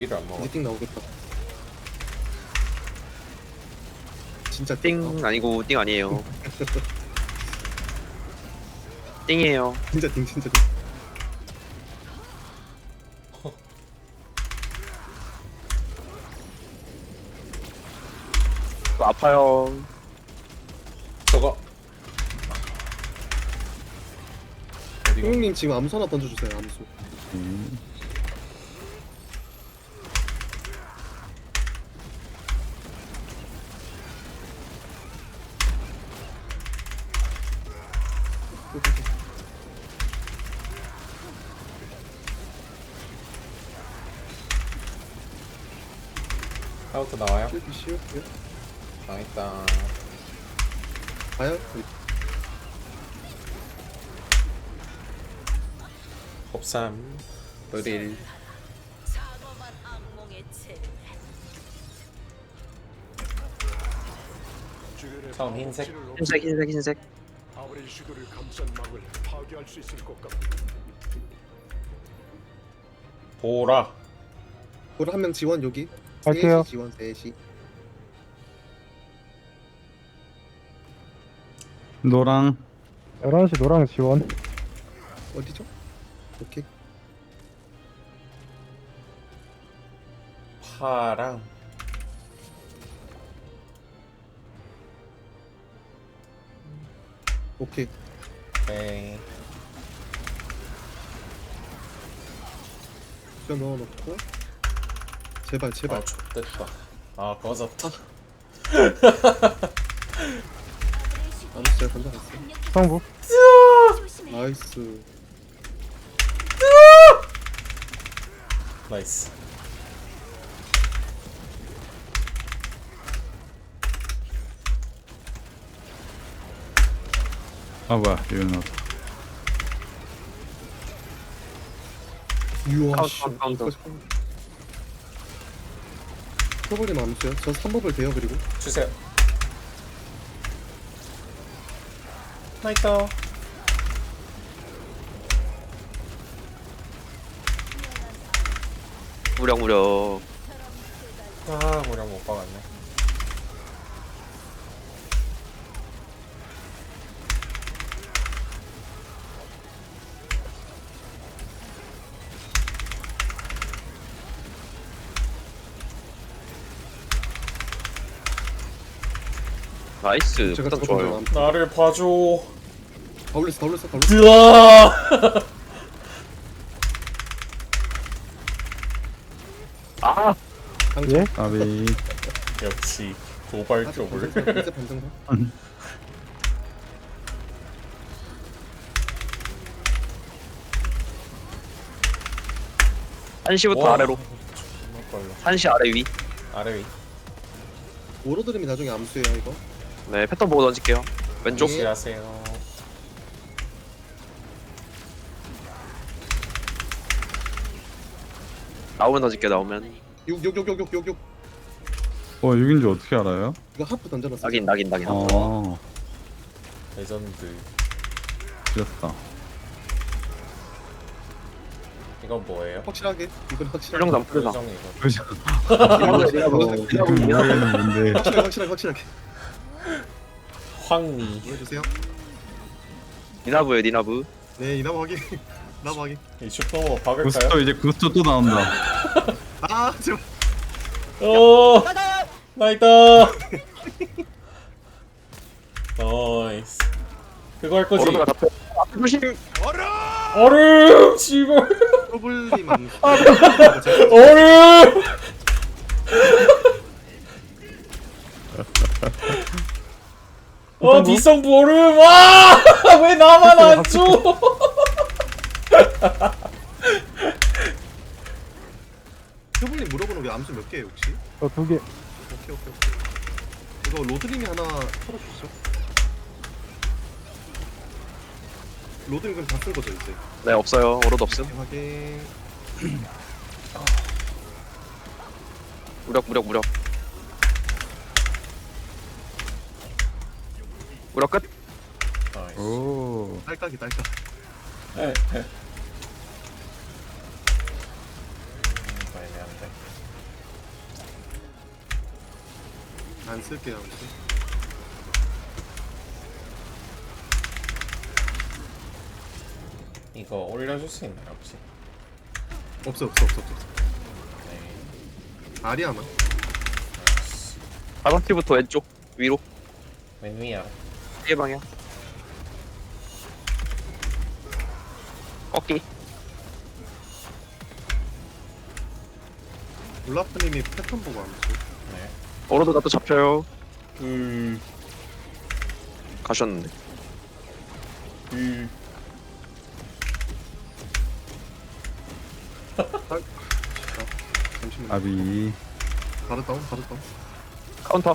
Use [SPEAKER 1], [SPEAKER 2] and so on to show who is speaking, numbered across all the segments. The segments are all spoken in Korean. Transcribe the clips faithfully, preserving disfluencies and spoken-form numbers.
[SPEAKER 1] 이를 안 먹어.
[SPEAKER 2] 이제 띵 나오겠다. 진짜
[SPEAKER 3] 띵 아니고 띵 아니에요. 띵이에요.
[SPEAKER 2] 진짜 띵 진짜 띵.
[SPEAKER 3] 또 아파요.
[SPEAKER 1] 저거 어디가?
[SPEAKER 2] 형님 지금 암수 하나 던져주세요. 암수.
[SPEAKER 4] 음.
[SPEAKER 1] 카운트 나와요?
[SPEAKER 2] 이렇게 쉬울게요.
[SPEAKER 1] 망했다.
[SPEAKER 2] 가요?
[SPEAKER 1] 곱삼 의릴
[SPEAKER 5] 사범한 악몽의 체
[SPEAKER 1] 처음 흰색.
[SPEAKER 3] 흰색 흰색 흰색.
[SPEAKER 6] 아무리 시도를 감싼 막을 파괴할 수 있을 것 같고
[SPEAKER 1] 보라.
[SPEAKER 2] 보라 한 명 지원 여기.
[SPEAKER 7] 갈게요.
[SPEAKER 2] 셋이 지원 셋이.
[SPEAKER 4] 노랑
[SPEAKER 7] 열한 시 노랑 지원.
[SPEAKER 2] 어디죠? 오케이.
[SPEAKER 1] 파랑
[SPEAKER 2] 오케이.
[SPEAKER 1] 네.
[SPEAKER 2] 뼈 넣어놓고. 제발 제발.
[SPEAKER 1] 아 X됐다. 아 꺼졌다.
[SPEAKER 2] 암수야 던져갔어.
[SPEAKER 7] 성부.
[SPEAKER 2] 나이스.
[SPEAKER 1] 나이스.
[SPEAKER 4] 아 뭐야 이거 나왔다.
[SPEAKER 2] 유아
[SPEAKER 3] 카운트,
[SPEAKER 2] 씨.
[SPEAKER 3] 카운트, 카운트.
[SPEAKER 2] 써버림 암수야. 저 삼 법을 돼요 그리고.
[SPEAKER 1] 주세요. 나이다.
[SPEAKER 3] 무력 무력.
[SPEAKER 1] 아 모량 못 박았네.
[SPEAKER 3] 나이스.
[SPEAKER 2] 제가
[SPEAKER 3] 부탁
[SPEAKER 2] 저거
[SPEAKER 3] 좋아요.
[SPEAKER 2] 던져.
[SPEAKER 1] 나를 봐줘.
[SPEAKER 2] 다 올렸어 다 올렸어 다 올렸어.
[SPEAKER 1] 으아.
[SPEAKER 3] 아
[SPEAKER 2] 당첨.
[SPEAKER 7] 예?
[SPEAKER 4] 아비
[SPEAKER 1] 역시 도발
[SPEAKER 2] 아직
[SPEAKER 1] 쪽을.
[SPEAKER 2] 반등사, 이제 반등사.
[SPEAKER 3] 한시부터
[SPEAKER 1] 와,
[SPEAKER 3] 아래로.
[SPEAKER 1] 존나 빨라.
[SPEAKER 3] 한시 아래 위.
[SPEAKER 1] 아래 위.
[SPEAKER 2] 오로드림이 나중에 암수예요 이거.
[SPEAKER 3] 네 패턴 보고 던질게요. 왼쪽.
[SPEAKER 2] 예.
[SPEAKER 1] 조심하세요.
[SPEAKER 3] 나오면 던질게 나오면.
[SPEAKER 2] 육 육 육 육 육 육 육.
[SPEAKER 4] 어 육인 줄 어떻게 알아요?
[SPEAKER 2] 이거 하프 던져놨어.
[SPEAKER 3] 낙인 낙인 낙인.
[SPEAKER 4] 어
[SPEAKER 1] 레전드.
[SPEAKER 4] 틀렸다.
[SPEAKER 1] 이건 뭐예요?
[SPEAKER 2] 확실하게. 이건 확실하게.
[SPEAKER 3] 풀정담 풀정.
[SPEAKER 1] 표정 이거.
[SPEAKER 4] 그죠?
[SPEAKER 2] 확실하게
[SPEAKER 4] 이거는 뭔데?
[SPEAKER 2] 확실하게 확실하게.
[SPEAKER 1] 황미.
[SPEAKER 2] 보여주세요.
[SPEAKER 3] 니나부요 니나부.
[SPEAKER 2] 네 이나무 확인. 나무 확인.
[SPEAKER 1] 이 슈퍼 박을까요?
[SPEAKER 4] 구스터 이제 구스터 또 나온다.
[SPEAKER 2] 아 제발.
[SPEAKER 1] 오. 나이다. 나이스. 그거 할 거지.
[SPEAKER 3] 오로드가 잡혀. 앞에 조심.
[SPEAKER 1] 얼음. 씨발.
[SPEAKER 2] 프로블림 암수.
[SPEAKER 1] 얼음. 어 뒷성부 얼음. 와왜 나만 안 줘?
[SPEAKER 2] 프로블림 물어보는 게 암수 몇 개예요 혹시?
[SPEAKER 7] 저 두 개.
[SPEAKER 2] 오케이 오케이 오케이. 이거 로드림이 하나 털어주시죠. 로드림 그럼 다 쓴 거죠 이제.
[SPEAKER 3] 네 없어요. 오로드 없음.
[SPEAKER 2] 확인.
[SPEAKER 3] 무력 무력 무력. 무력 끝.
[SPEAKER 1] 나이스.
[SPEAKER 4] 오
[SPEAKER 2] 딸깍이 딸깍.
[SPEAKER 1] 에, 에. 음, 애매한데.
[SPEAKER 2] 안 쓸게요 아무튼.
[SPEAKER 1] 이거 올려줄 수 있나요 혹시?
[SPEAKER 2] 없어 없어 없어 없어.
[SPEAKER 1] 네.
[SPEAKER 2] 아리아만.
[SPEAKER 3] 바닥티부터 왼쪽 위로
[SPEAKER 1] 맨 위야.
[SPEAKER 3] 피해 방향. 꺾기.
[SPEAKER 2] 울라프님이 패턴 보고 안 쓰.
[SPEAKER 1] 네.
[SPEAKER 3] 오로드가 또 잡혀요.
[SPEAKER 1] 음.
[SPEAKER 3] 가셨는데.
[SPEAKER 1] 음.
[SPEAKER 2] 잠시만.
[SPEAKER 4] 아비.
[SPEAKER 2] 바로 다운 바로 다운.
[SPEAKER 3] 카운터.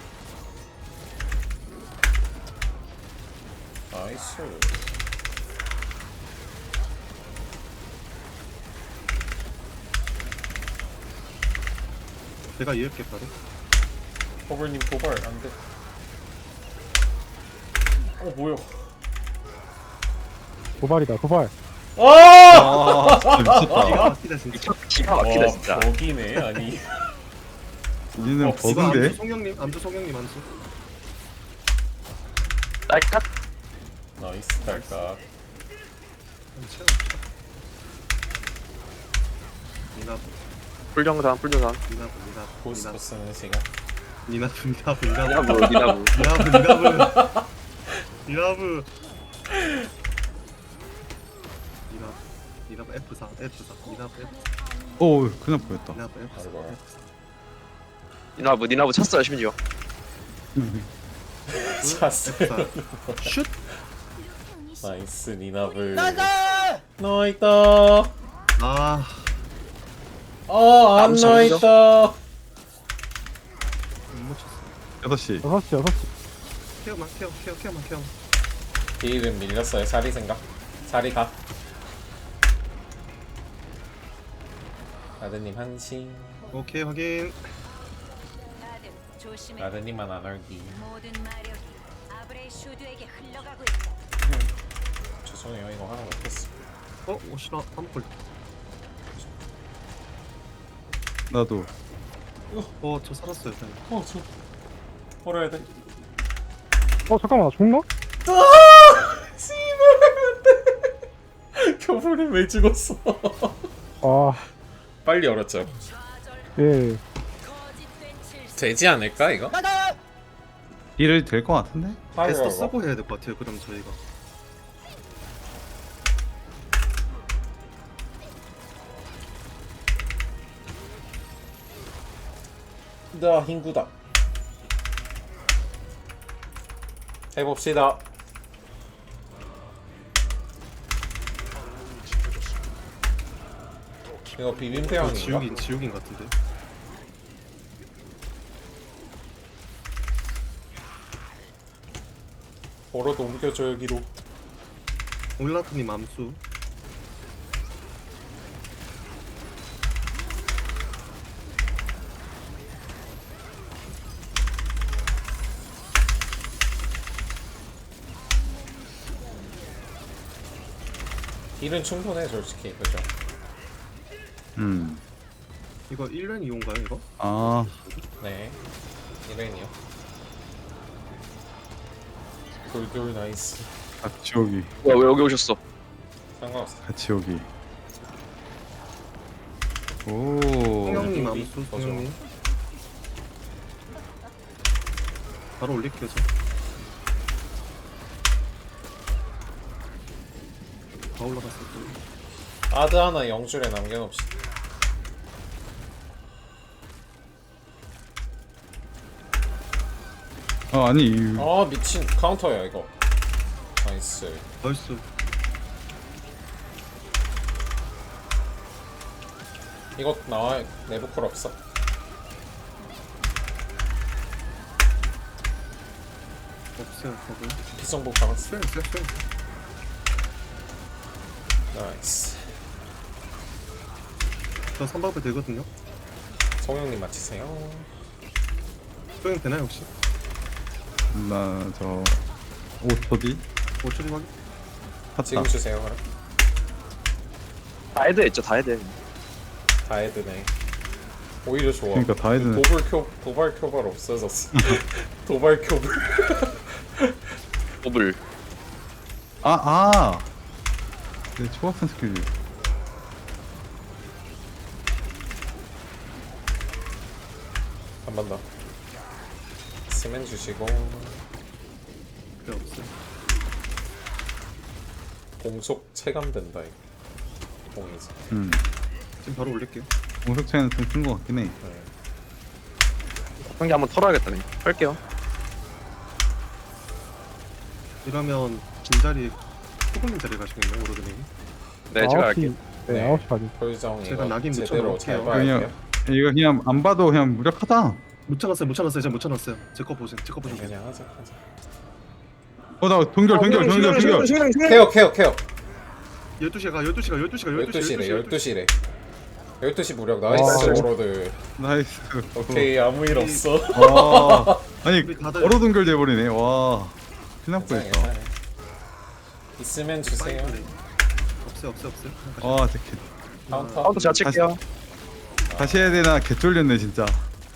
[SPEAKER 1] 나이스.
[SPEAKER 2] 내가 이을게 바로.
[SPEAKER 1] 호블님 도발 안 돼. 어 뭐야?
[SPEAKER 7] 도발이다 도발.
[SPEAKER 1] 아!
[SPEAKER 4] 아 진짜 미쳤다.
[SPEAKER 2] 기가 막히다 진짜.
[SPEAKER 3] 기가, 기가 막히다
[SPEAKER 1] 와,
[SPEAKER 3] 진짜.
[SPEAKER 1] 버기네 아니.
[SPEAKER 4] 니는
[SPEAKER 1] 어,
[SPEAKER 2] 이거 암주
[SPEAKER 4] 버그인데?
[SPEAKER 2] 송영님 암주 송영님 암주.
[SPEAKER 3] 딸깍.
[SPEAKER 1] 나이스 달까.
[SPEAKER 2] 암주. 니나부
[SPEAKER 3] 풀정산 풀정산.
[SPEAKER 2] 니나부 니나부
[SPEAKER 1] 고스트 쓰는 시간.
[SPEAKER 2] 니나부 니나부 니나부
[SPEAKER 3] 니나부 니나부.
[SPEAKER 2] 니나부 니나부 니나부 니나부 니나부 에프 사 에프 사 니나부 에프 사
[SPEAKER 4] 오 그냥 보였다.
[SPEAKER 2] 니나부 에프 사
[SPEAKER 1] 아이고.
[SPEAKER 3] 니나부 니나부 찼어요 심지어.
[SPEAKER 1] 찼어.
[SPEAKER 2] 에프 사 슛.
[SPEAKER 1] 나이스 니나블. 나있다.
[SPEAKER 2] 아
[SPEAKER 1] 아, 안
[SPEAKER 3] 아무튼
[SPEAKER 1] 나있다.
[SPEAKER 2] 못 맞췄어.
[SPEAKER 4] 여섯 시.
[SPEAKER 7] 여섯 시 여섯 시.
[SPEAKER 2] 케어만 케어 케어 케어만 케어.
[SPEAKER 1] 딜은 밀렸어요. 사리 생각. 사리 가. 아드님 한신.
[SPEAKER 2] 오케이 확인.
[SPEAKER 5] 다들 조심해.
[SPEAKER 1] 아드님만 안 얼기.
[SPEAKER 5] 모든 마력이 아브레 슈드에게 흘러가고 있다.
[SPEAKER 1] 죄송해요. 이거 하나 못했어.
[SPEAKER 2] 어 오시라 한번 걸.
[SPEAKER 4] 나도.
[SPEAKER 2] 어저 살았어요. 그냥.
[SPEAKER 1] 어, 저. 벌어야 돼.
[SPEAKER 7] 어 잠깐만 나 죽나?
[SPEAKER 1] 씨발. 겨울에 왜 죽었어?
[SPEAKER 7] 아
[SPEAKER 1] 빨리 얼었죠.
[SPEAKER 5] 좌절
[SPEAKER 7] 예.
[SPEAKER 5] 거짓된 칠수.
[SPEAKER 1] 되지 않을까 이거?
[SPEAKER 4] 일을 될 것 같은데?
[SPEAKER 2] 에스터 쓰고 해야 될 것 같아요. 그럼 저희가.
[SPEAKER 1] 나 흰구다. 해봅시다. 이거 비빔
[SPEAKER 2] 저
[SPEAKER 1] 태양인가?
[SPEAKER 2] 지옥인 지옥인 같은데.
[SPEAKER 1] 걸어도 옮겨줘 여기로.
[SPEAKER 2] 올라프님 암수.
[SPEAKER 1] 딜은 충분해 솔직히 그죠?
[SPEAKER 4] 음.
[SPEAKER 2] 이거 일 년 이용가요 이거?
[SPEAKER 4] 아
[SPEAKER 1] 네. 이벤이요. 돌돌 나이스.
[SPEAKER 4] 같이 오기.
[SPEAKER 3] 뭐야 왜 여기 오셨어?
[SPEAKER 1] 상관없어.
[SPEAKER 4] 같이 오기. 오.
[SPEAKER 2] 송영님
[SPEAKER 1] 여기
[SPEAKER 2] 암수
[SPEAKER 1] 더
[SPEAKER 2] 송영님. 바로 올릴게요 저. 다 올라갔을 때.
[SPEAKER 1] 아드 하나 영줄에 남겨놓읍시다.
[SPEAKER 4] 어 아니 이-
[SPEAKER 1] 아 미친 카운터야 이거. 나이스.
[SPEAKER 2] 나이스.
[SPEAKER 1] 이거 나와. 내부 콜 없어.
[SPEAKER 2] 없어요 저거.
[SPEAKER 1] 피성복 잡았어.
[SPEAKER 2] 수행 수행 수행.
[SPEAKER 1] 나이스.
[SPEAKER 2] 저 삼박배 되거든요.
[SPEAKER 1] 성형님 맞히세요.
[SPEAKER 2] 수행 되나요 혹시?
[SPEAKER 4] 나저 오 초 뒤
[SPEAKER 2] 오 초 뒤 확인.
[SPEAKER 4] 탔다.
[SPEAKER 1] 지금 주세요 그럼.
[SPEAKER 3] 다 해도 했죠 다 해도.
[SPEAKER 1] 다 헤드네. 오히려 좋아.
[SPEAKER 4] 그러니까 다 해야 되네.
[SPEAKER 1] 도발 큐 도발 큐발 없어졌어. 도발 큐발.
[SPEAKER 3] 더블.
[SPEAKER 4] 아, 아. 내 초밥선 스킬.
[SPEAKER 1] 한 번 더. 스맨 주시고
[SPEAKER 2] 필요 없어.
[SPEAKER 1] 공속 체감된다 이거. 공이지.
[SPEAKER 4] 음.
[SPEAKER 2] 지금 바로 올릴게요.
[SPEAKER 4] 공속 차이는 좀 큰 거 같긴 해.
[SPEAKER 1] 네.
[SPEAKER 3] 한 개 한번 털어야겠다 그냥. 할게요.
[SPEAKER 2] 이러면 빈자리 후보님 자리 가시겠네요 오르드님.
[SPEAKER 3] 네 제가
[SPEAKER 7] 아홉 시,
[SPEAKER 3] 할게요.
[SPEAKER 7] 네,
[SPEAKER 1] 네.
[SPEAKER 7] 아홉 시 가지.
[SPEAKER 1] 표정
[SPEAKER 2] 제가
[SPEAKER 1] 이거
[SPEAKER 2] 낙인
[SPEAKER 1] 제대로
[SPEAKER 2] 묻혀놓을게요.
[SPEAKER 1] 잘 봐야
[SPEAKER 4] 그냥
[SPEAKER 1] 돼요.
[SPEAKER 4] 이거 그냥 안 봐도 그냥 무력하다.
[SPEAKER 2] 못 찾았어요 못 찾았어요 제가 못 찾았어요. 제 거 보세요 제 거 보세요.
[SPEAKER 1] 그냥 하자 하자.
[SPEAKER 4] 어, 나 동결, 동결, 동결, 동결.
[SPEAKER 1] 케어 케어 케어.
[SPEAKER 2] 열두 시가 열두 시가 열두 시가 열두 시
[SPEAKER 1] 열두 시래 열두 시래. 열두 시 무력
[SPEAKER 7] 와,
[SPEAKER 1] 나이스
[SPEAKER 7] 저-
[SPEAKER 1] 오로드.
[SPEAKER 4] 나이스.
[SPEAKER 1] 오케이 아무 일 없어.
[SPEAKER 4] 와. 아니,
[SPEAKER 2] 우리 다들-
[SPEAKER 4] 얼어 동결 돼버리네. 와. 큰일 날
[SPEAKER 1] 괜찮아,
[SPEAKER 4] 뻔했다.
[SPEAKER 1] 괜찮아. 있으면 주세요.
[SPEAKER 2] 파이플레이. 없어요 없어요 없어요.
[SPEAKER 4] 와, 진짜 개,
[SPEAKER 1] 카운터.
[SPEAKER 3] 카운터 제가 칠게요.
[SPEAKER 4] 다시 해야 되나 개 쫄렸네, 진짜.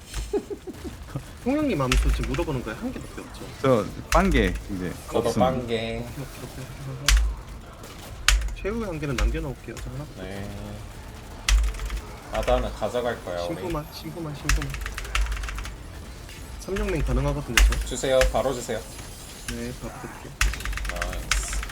[SPEAKER 2] 홍영님 암수 지금 물어보는 거에 한 개밖에 없죠.
[SPEAKER 4] 저, 빵개, 이제.
[SPEAKER 1] 저도
[SPEAKER 4] 없음.
[SPEAKER 1] 빵개.
[SPEAKER 2] 최후의 한 개는 남겨놓을게요. 저 하나.
[SPEAKER 1] 네. 아다는 가져갈 거야 우리.
[SPEAKER 2] 신부만 신부만 신부만. 삼룡맹 가능하거든요 저.
[SPEAKER 1] 주세요. 바로 주세요.
[SPEAKER 2] 네 바로 드릴게요.
[SPEAKER 1] 나이스.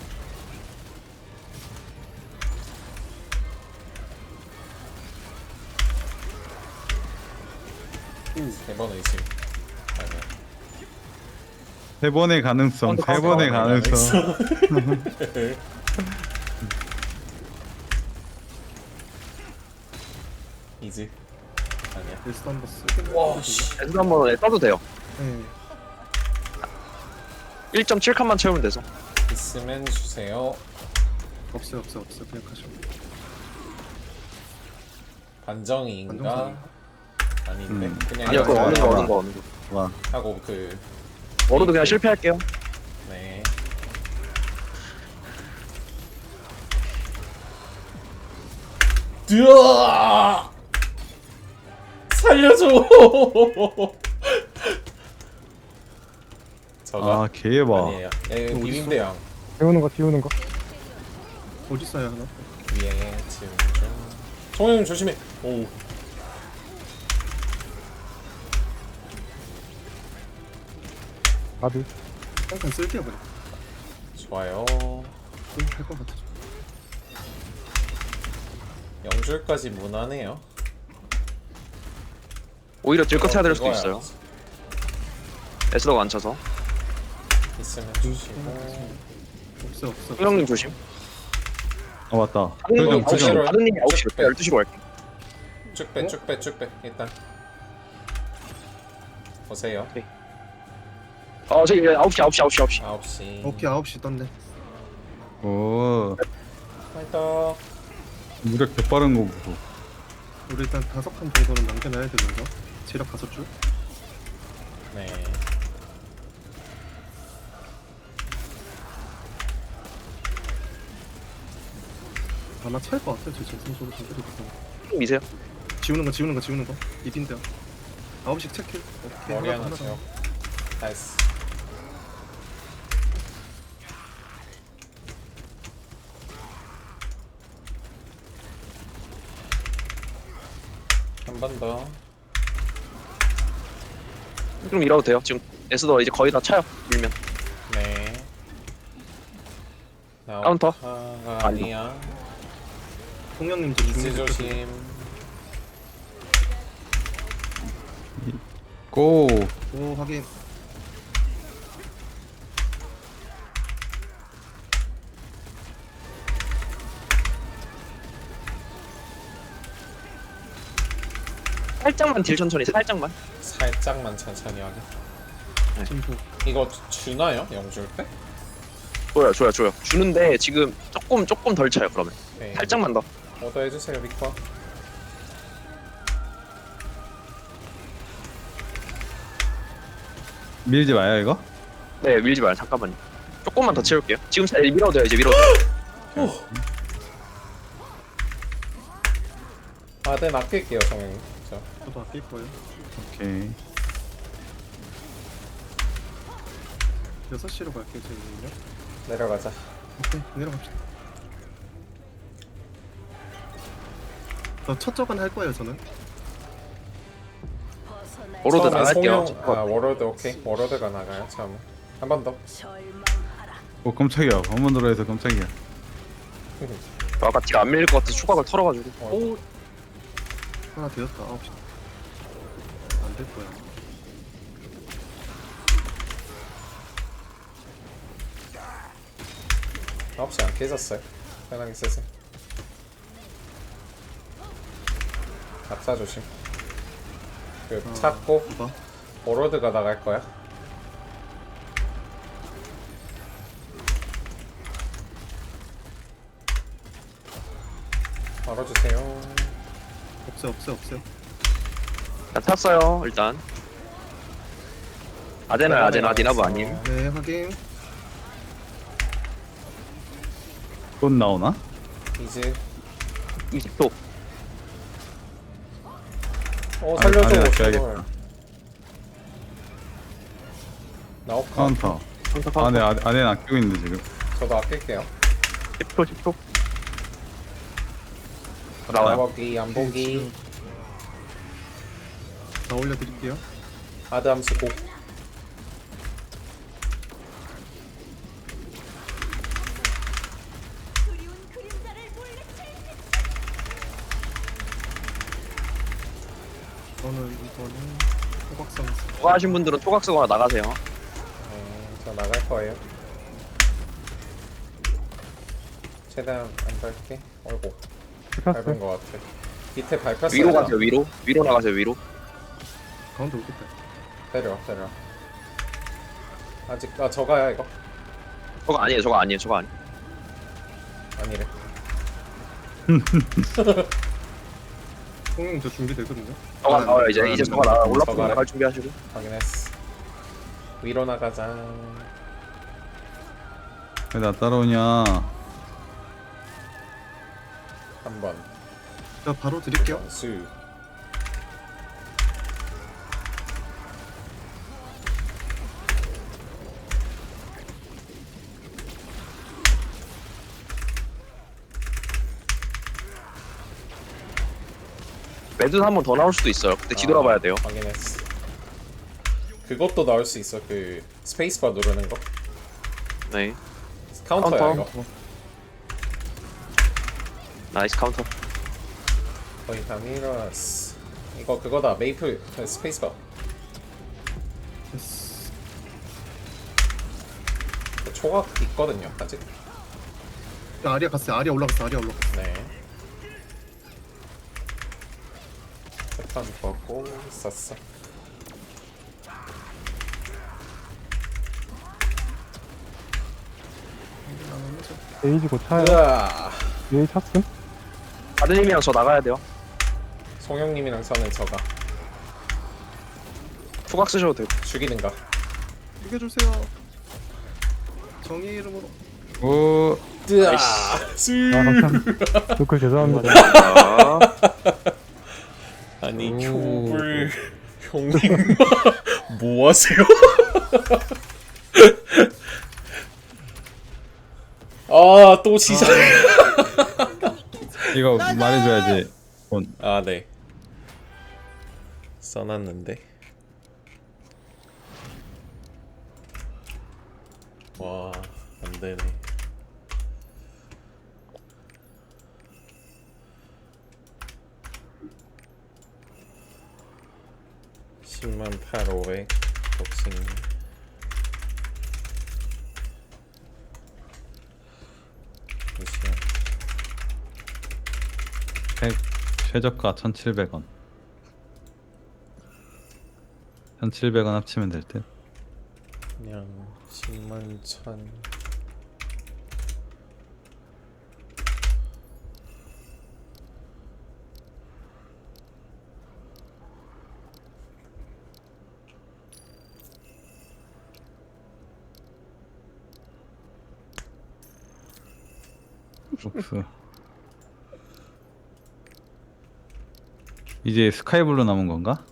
[SPEAKER 1] 세 번 의심. 아니야.
[SPEAKER 4] 세 번의 가능성,
[SPEAKER 3] 카운터,
[SPEAKER 4] 세
[SPEAKER 3] 카운터,
[SPEAKER 4] 번의
[SPEAKER 1] 카운터.
[SPEAKER 4] 가능성.
[SPEAKER 1] 이지. 아니야.
[SPEAKER 2] 웨스트 한번 쓰긴
[SPEAKER 1] 와,
[SPEAKER 2] 하거든요.
[SPEAKER 1] 씨.
[SPEAKER 3] 에스도 한번 써도 돼요.
[SPEAKER 2] 네.
[SPEAKER 3] 일 점 칠 칸만 채우면 돼서.
[SPEAKER 1] 있으면 주세요.
[SPEAKER 2] 없어요 없어요 없어요 그냥 가시면.
[SPEAKER 1] 반정이인가?
[SPEAKER 2] 반정상.
[SPEAKER 1] 아닌데.
[SPEAKER 4] 음.
[SPEAKER 1] 그냥
[SPEAKER 3] 아니요, 그거
[SPEAKER 1] 이거
[SPEAKER 3] 어는 거,
[SPEAKER 4] 와.
[SPEAKER 3] 어는 거, 어는 거.
[SPEAKER 4] 와.
[SPEAKER 1] 하고 그
[SPEAKER 3] 워로드 그냥 실패할게요.
[SPEAKER 1] 네. 으아! 살려줘. 저가
[SPEAKER 4] 아, 개봐.
[SPEAKER 1] 아니에요. 예,
[SPEAKER 2] 어딨어?
[SPEAKER 1] 비빔대양
[SPEAKER 7] 비우는 거, 비우는 거.
[SPEAKER 2] 어디 있어요 하나?
[SPEAKER 1] 위에 지금 좀. 정영 조심해. 오.
[SPEAKER 7] 가드.
[SPEAKER 2] 잠깐 쓸게요 그냥.
[SPEAKER 1] 좋아요.
[SPEAKER 2] 할것 같아.
[SPEAKER 1] 영줄까지 무난해요.
[SPEAKER 3] 오히려 들것 해야 될 수도
[SPEAKER 1] 그거야.
[SPEAKER 3] 있어요. 에스도가 안 차서.
[SPEAKER 1] 있으면 주시고.
[SPEAKER 2] 없어 없어.
[SPEAKER 3] 홍영님 조심.
[SPEAKER 4] 아, 맞다.
[SPEAKER 3] 다른님이
[SPEAKER 4] 표정,
[SPEAKER 3] 아홉 시로,
[SPEAKER 4] 표정.
[SPEAKER 3] 다른님이 아홉 시로, 열두 시로 갈게.
[SPEAKER 1] 쭉 빼, 쭉 빼, 쭉 빼. 일단 보세요.
[SPEAKER 3] 어, 저기 아홉 시, 아홉 시, 아홉 시, 아홉 시.
[SPEAKER 1] 아홉 시.
[SPEAKER 2] 오케이 아홉 시 떴네.
[SPEAKER 4] 오,
[SPEAKER 1] 파이터.
[SPEAKER 4] 무력 개빠른 거 보고.
[SPEAKER 2] 우리 일단 다섯 칸 정도는 남겨놔야 되면서 체력 다섯 줄.
[SPEAKER 1] 네.
[SPEAKER 2] 아마 찰 것 같아요. 제 정신적으로 좀 때리고.
[SPEAKER 3] 미세요.
[SPEAKER 2] 지우는 거 지우는 거 지우는 거. 이딘데요. 아홉 시 체크. 오케이
[SPEAKER 1] 머리
[SPEAKER 2] 하나
[SPEAKER 1] 하나
[SPEAKER 2] 더, 하나
[SPEAKER 1] 채워.
[SPEAKER 2] 더.
[SPEAKER 1] 나이스. 한 번 더.
[SPEAKER 3] 좀 밀어도 돼요. 지금 에스도 이제 거의 다 차요. 밀면.
[SPEAKER 1] 네.
[SPEAKER 3] 카운터.
[SPEAKER 1] 나우타가 아니야.
[SPEAKER 2] 홍영님 저
[SPEAKER 1] 이지
[SPEAKER 2] 중립
[SPEAKER 1] 조심.
[SPEAKER 4] 고.
[SPEAKER 2] 오 확인.
[SPEAKER 3] 살짝만 딜 천천히, 살짝만.
[SPEAKER 1] 살짝만 천천히 하게.
[SPEAKER 2] 진포.
[SPEAKER 1] 이거 주- 주나요? 영줄 때?
[SPEAKER 3] 줘요, 줘요, 줘요. 주는데 지금 조금 조금 덜 차요. 그러면
[SPEAKER 1] 네.
[SPEAKER 3] 살짝만 더.
[SPEAKER 1] 오더 해주세요, 빅터.
[SPEAKER 4] 밀지 마요, 이거?
[SPEAKER 3] 네, 밀지 마요. 잠깐만요. 조금만 더 채울게요. 지금 살 밀어도 돼요. 이제 밀어도 돼요.
[SPEAKER 1] 아, 네, 맡길게요, 정영. 아끼죠.
[SPEAKER 2] 저도 아낄 거예요.
[SPEAKER 4] 오케이.
[SPEAKER 2] 여섯 시로 갈게요 저희는요.
[SPEAKER 1] 내려가자.
[SPEAKER 2] 오케이 내려갑시다. 저 첫 저간 할 거예요 저는.
[SPEAKER 5] 벗어나
[SPEAKER 3] 워로드
[SPEAKER 1] 처음에
[SPEAKER 3] 나갈게요.
[SPEAKER 1] 송영, 아 워로드 오케이. 워로드가 나가요. 처음에 한 번 더.
[SPEAKER 5] 절망하라.
[SPEAKER 4] 오 깜짝이야. 한번 들어해서 깜짝이야.
[SPEAKER 3] 아까 딜 안 밀릴 것 같아서 추각을 털어가지고.
[SPEAKER 2] 오 하나 되었다. 아홉 시. 안 될 거야.
[SPEAKER 1] 아홉 시 안 깨졌어요. 편하게 쓰세요. 낙사 조심. 그
[SPEAKER 2] 아,
[SPEAKER 1] 찾고
[SPEAKER 2] 이봐.
[SPEAKER 1] 워로드가 나갈 거야. 걸어주세요.
[SPEAKER 2] 없어요 없어요 없어요.
[SPEAKER 3] 자, 탔어요 일단. 아데나 아데나 디나브 아님.
[SPEAKER 2] 네 확인.
[SPEAKER 4] 곧 나오나?
[SPEAKER 1] 이제
[SPEAKER 3] 이십 초.
[SPEAKER 1] 어
[SPEAKER 4] 아,
[SPEAKER 1] 살려줘.
[SPEAKER 4] 아니, 나
[SPEAKER 1] 제발.
[SPEAKER 4] 줘야겠다.
[SPEAKER 1] 나오카.
[SPEAKER 4] 카운터. 안에 안에 안에 아끼고 있는데 지금.
[SPEAKER 1] 저도 아낄게요.
[SPEAKER 3] 십 초 십 초.
[SPEAKER 1] 안
[SPEAKER 3] 나와요.
[SPEAKER 1] 보기 안 보기.
[SPEAKER 2] 자 올려드릴게요.
[SPEAKER 1] 아드 함수 고.
[SPEAKER 5] 그리운 그림자를 물리칠
[SPEAKER 2] 저는 이거는 호박상.
[SPEAKER 3] 그거 하신 분들은 초각 쓰거나 나가세요.
[SPEAKER 1] 음, 저 나갈 거예요. 최대한 안 밟게. 어이구 밟은
[SPEAKER 7] 켰어요.
[SPEAKER 1] 거 같아. 밑에 밟혔어요.
[SPEAKER 3] 위로 가세요 위로. 위로 나가세요 위로.
[SPEAKER 2] 가운데 오겠다.
[SPEAKER 1] 때려 때려. 아직 아 저가야 이거.
[SPEAKER 3] 저거 아니에요 저거 아니에요 저거 아니.
[SPEAKER 1] 아니래.
[SPEAKER 2] 홍영 저 준비되거든요.
[SPEAKER 3] 저거
[SPEAKER 2] 아,
[SPEAKER 3] 나와요 이제 이제 저거 나와. 올라프
[SPEAKER 1] 저거네.
[SPEAKER 3] 나갈 준비하시고.
[SPEAKER 1] 확인했어. 위로 나가자.
[SPEAKER 4] 왜 나 따라오냐?
[SPEAKER 1] 한 번.
[SPEAKER 2] 자 바로 드릴게요.
[SPEAKER 1] 수.
[SPEAKER 3] 매드 한 번 더 나올 수도 있어요. 그때 뒤돌아봐야 돼요.
[SPEAKER 1] 확인했어. 그것도 나올 수 있어. 그 스페이스바 누르는 거.
[SPEAKER 3] 네.
[SPEAKER 1] 카운터야
[SPEAKER 3] 카운터.
[SPEAKER 1] 이거.
[SPEAKER 3] 나이스 카운터.
[SPEAKER 1] 거의 다 밀었어. 이거 그거다. 메이플 그 스페이스바.
[SPEAKER 2] 됐어.
[SPEAKER 1] 그 초각 있거든요. 아직.
[SPEAKER 2] 자, 아리아 갔어요. 아리아 올라갔어. 아리아 올라갔어.
[SPEAKER 1] 네. 패턴 보고 썼어.
[SPEAKER 7] 에이지 곧 차요.
[SPEAKER 1] 으아.
[SPEAKER 7] 에이 찼음.
[SPEAKER 3] 아드님이랑 저 나가야 돼요.
[SPEAKER 1] 송영님이랑 저는 저가
[SPEAKER 3] 초각 쓰셔도 되고.
[SPEAKER 1] 죽이든가.
[SPEAKER 2] 죽여주세요. 정의 이름으로.
[SPEAKER 4] 오.
[SPEAKER 1] 으아.
[SPEAKER 7] 아 감사합니다. 노클 죄송합니다.
[SPEAKER 3] 아,
[SPEAKER 1] 아니
[SPEAKER 4] 오.
[SPEAKER 1] 큐블 형님 뭐 하세요? 아 또 시작.
[SPEAKER 4] 이거 말해줘야지. 본.
[SPEAKER 1] 아 네. 써놨는데. 와 안되네. 십만 팔오백 복싱. 잠시만.
[SPEAKER 4] 최, 최저가 천칠백 원. 천칠백 원 합치면 될 듯.
[SPEAKER 1] 그냥 십만 천.
[SPEAKER 4] 룩스. 이제 스카이블루 남은 건가?